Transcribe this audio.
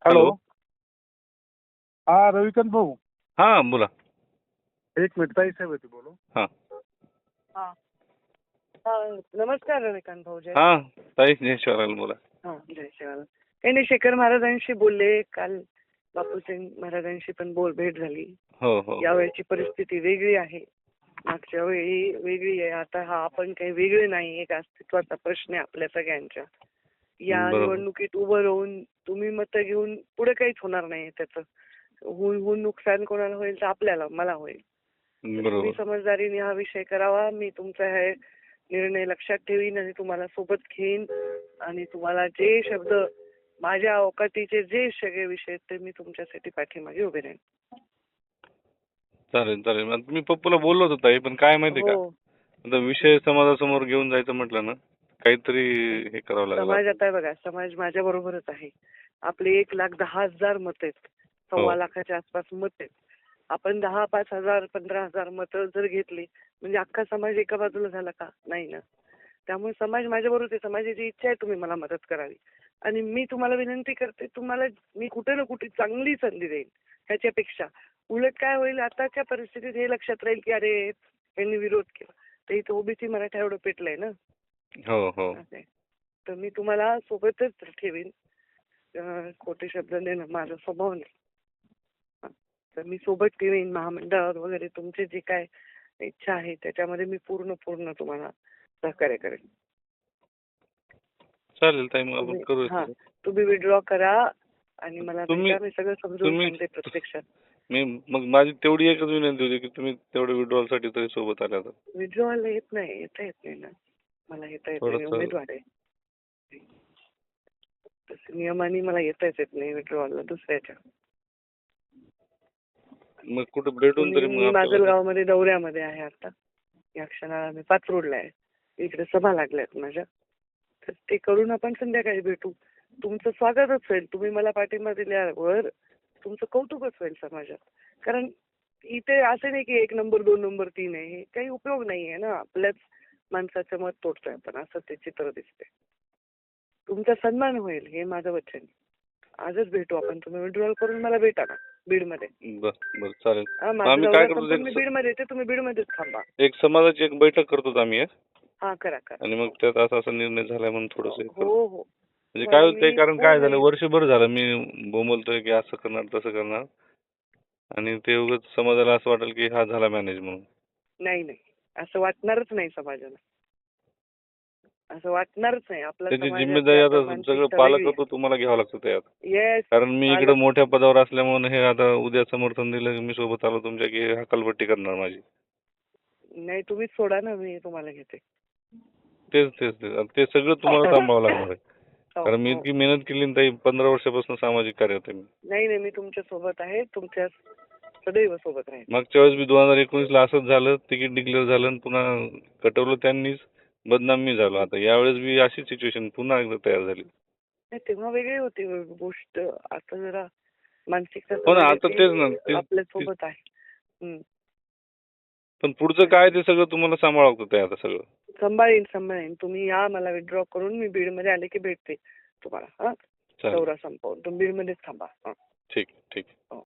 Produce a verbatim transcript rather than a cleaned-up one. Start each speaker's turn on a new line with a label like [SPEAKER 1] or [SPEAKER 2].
[SPEAKER 1] Hello.
[SPEAKER 2] Hello.
[SPEAKER 1] हा रविकांत भाऊ,
[SPEAKER 2] हा बोला.
[SPEAKER 1] एक मिनिट ताई साहेब होती बोलू.
[SPEAKER 2] हा
[SPEAKER 3] हा. हा, नमस्कार रविकांत भाऊ. जय
[SPEAKER 2] हा ताई जय शिवराल बोला.
[SPEAKER 3] हा जय शिवाला. काही नाही, शेखर महाराजांशी बोलले काल. बापूसिंग महाराजांशी पण बोल भेट झाली.
[SPEAKER 2] हो हो
[SPEAKER 3] यावेळची परिस्थिती वेगळी आहे, मागच्या वेळी वेगळी आहे. आता हा आपण काही वेगळे नाही, एक अस्तित्वाचा प्रश्न आहे आपल्या सगळ्यांच्या. या
[SPEAKER 2] बरोबर.
[SPEAKER 3] निवडणुकीत उभं राहून तुम्ही मतं घेऊन पुढे काहीच होणार नाही. त्याचं होऊन होऊन नुकसान कोणाला होईल तर आपल्याला, मला होईल. तुम्ही
[SPEAKER 2] बरोबर.
[SPEAKER 3] समजदारीने हा विषय करावा. मी तुमचा हे निर्णय लक्षात ठेवीन आणि तुम्हाला सोबत घेईन आणि तुम्हाला जे शब्द माझ्या अवकाटीचे जे सगळे विषय आहेत ते मी तुमच्यासाठी पाठीमागे उभे राहीन.
[SPEAKER 2] चालेल चालेल. आता मी पप्पूला बोललो होतो ताई, पण काय माहिती का,
[SPEAKER 3] हो,
[SPEAKER 2] आता विषय समाजासमोर घेऊन जायचं म्हटलं ना, काहीतरी हे करावं लागलं.
[SPEAKER 3] समाज आता बघा, समाज माझ्या बरोबरच आहे. आपले एक लाख दहा हजार मत आहेत,
[SPEAKER 2] हो.
[SPEAKER 3] सव्वा लाखाच्या आसपास मत आहेत. आपण दहा पाच हजार पंधरा हजार मतं जर घेतली म्हणजे अख्खा समाज एका बाजूला झाला का? नाही ना. त्यामुळे समाज माझ्या बरोबर आहे. समाजाची इच्छा आहे तुम्ही मला मदत करावी आणि मी तुम्हाला विनंती करते, तुम्हाला मी कुठे ना कुठे चांगली संधी देईन. ह्याच्यापेक्षा उलट काय होईल, आताच्या परिस्थितीत हे लक्षात राहील की अरे यांनी विरोध केला तर इथं ओबीसी मराठा एवढं पेटलंय ना.
[SPEAKER 2] हो हो
[SPEAKER 3] असं आहे. तर मी तुम्हाला सोबतच ठेवीन. अं, खोटे शब्द देणं माझा स्वभाव नाही. हा. तर मी सोबत ठेवीन. महामंडळावर वगैरे तुमची जी काय इच्छा आहे त्याच्यामध्ये मी पूर्ण पूर्ण तुम्हाला सहकार्य करेन.
[SPEAKER 2] चालेल ताई, मग आपण
[SPEAKER 3] तुम्ही
[SPEAKER 2] करू.
[SPEAKER 3] हा तुम्ही विड्रॉ करा आणि मला
[SPEAKER 2] तुम्ही-
[SPEAKER 3] भेटा. मी सगळं समजून
[SPEAKER 2] तुम्ही-
[SPEAKER 3] सांगते प्रत्यक्षात.
[SPEAKER 2] मी मग माझी तेवढी एकच विनंती होती की तुम्ही तेवढं विड्रॉल साठी तरी सोबत आल्या तर.
[SPEAKER 3] विड्रॉला येत नाही, येता येत नाही ना. मला येता येत नाही, मी
[SPEAKER 2] थोडंसं-
[SPEAKER 3] उमेदवार आहे. तसं नियमाने मला येताच येत नाही विड्रॉला दुसऱ्याच्या.
[SPEAKER 2] मग कुठे भेटून तरी
[SPEAKER 3] मी
[SPEAKER 2] मग आपल्याला-
[SPEAKER 3] माजलगावमध्ये दौऱ्यामध्ये आहे आता. या क्षणाला मी पाचरोडला आहे. इकडे सभा लागल्यात माझ्या, तर ते करून आपण संध्याकाळी भेटू. तुमचं स्वागतच होईल. तुम्ही मला पाठिंबा दिल्यावर तुमचं कौतुकच होईल समाजात. कारण इथे असं नाही की एक नंबर दोन नंबर तीन आहे, हे काही उपयोग नाहीये ना. आपल्याच माणसाचं मत तोडतोय आपण, असं ते चित्र दिसते. तुमचा सन्मान होईल हे माझं वचन. आजच भेटू आपण. तुम्ही विड्रॉल करून मला भेटा ना बीडमध्ये.
[SPEAKER 2] बरं बरं चालेल.
[SPEAKER 3] हा,
[SPEAKER 2] मग
[SPEAKER 3] माझा
[SPEAKER 2] आम्ही
[SPEAKER 3] दौरा
[SPEAKER 2] काय करतो,
[SPEAKER 3] संपून मी
[SPEAKER 2] एक-
[SPEAKER 3] बीडमध्ये येते, तुम्ही बीडमध्येच थांबा.
[SPEAKER 2] एक समाजाची एक बैठक करतो आम्ही एक.
[SPEAKER 3] हा करा करा.
[SPEAKER 2] आणि मग त्यात असा असा निर्णय झालाय म्हणून थोडस
[SPEAKER 3] हो हो.
[SPEAKER 2] म्हणजे काय होतंय,
[SPEAKER 3] मी
[SPEAKER 2] कारण काय झालं,
[SPEAKER 3] पूर्ण-
[SPEAKER 2] वर्षभर झालं मी बोंबलतोय की असं करणार तसं करणार, आणि ते उगाच समाजाला असं वाटेल की हा झाला मॅनेज म्हणून.
[SPEAKER 3] नाही नाही, असं वाटणारच नाही समाजाला. असं वाटणारच नाही. आपला
[SPEAKER 2] त्याची
[SPEAKER 3] समाजाची
[SPEAKER 2] जिम्मेदारी
[SPEAKER 3] आता
[SPEAKER 2] आता
[SPEAKER 3] मानसिकता
[SPEAKER 2] सगळं
[SPEAKER 3] वेगळी
[SPEAKER 2] पालकत्व तुम्हाला घ्यावं लागतं त्यात.
[SPEAKER 3] आहे. येस.
[SPEAKER 2] कारण मी इकडे
[SPEAKER 3] पालक-
[SPEAKER 2] मोठ्या पदावर असल्यामुळे हे आता उद्या समर्थन दिलं की मी सोबत आलो तुमच्या की हकालपट्टी करणार माझी.
[SPEAKER 3] नाही, तुम्हीच सोडा ना, मी तुम्हाला घेते.
[SPEAKER 2] तेच तेच तेच आता ते सगळं तुम्हाला सांभाळावं लागणार आहे.
[SPEAKER 3] हो,
[SPEAKER 2] कारण मी
[SPEAKER 3] हो.
[SPEAKER 2] इतकी मेहनत केली ना ताई, पंधरा वर्षापासून सामाजिक कार्यात आहे मी.
[SPEAKER 3] नाही नाही, मी तुमच्या सोबत आहे. तुमच्या सदैव सोबत राहील.
[SPEAKER 2] मागच्या वेळेस मी दोन हजार एकोणीस ला असंच झालं, तिकीट डिक्लेअर झालं आणि पुन्हा कटवलं त्यांनीच, बदनाम मी झालो. आता यावेळेस बी अशी सिच्युएशन पुन्हा एकदा तयार झाली.
[SPEAKER 3] नाही, तेव्हा वेगळी होती गोष्ट. आता जरा मानसिकता
[SPEAKER 2] हो ना, आता
[SPEAKER 3] समाजाची
[SPEAKER 2] तेच ना, ते-
[SPEAKER 3] आपल्या सोबत आहे. हम्म.
[SPEAKER 2] पण पुढचं काय ते सगळं तुम्हाला सांभाळावं लागतं आता सगळं.
[SPEAKER 3] सांभाळीन सांभाळीन. तुम्ही या, मला विड्रॉ करून मी बीडमध्ये आले की भेटते तुम्हाला. हा,
[SPEAKER 2] चालेल.
[SPEAKER 3] दौरा संपवून तुम्ही बीडमध्येच थांबा. हा.
[SPEAKER 2] ठीक ठीक.
[SPEAKER 3] हो.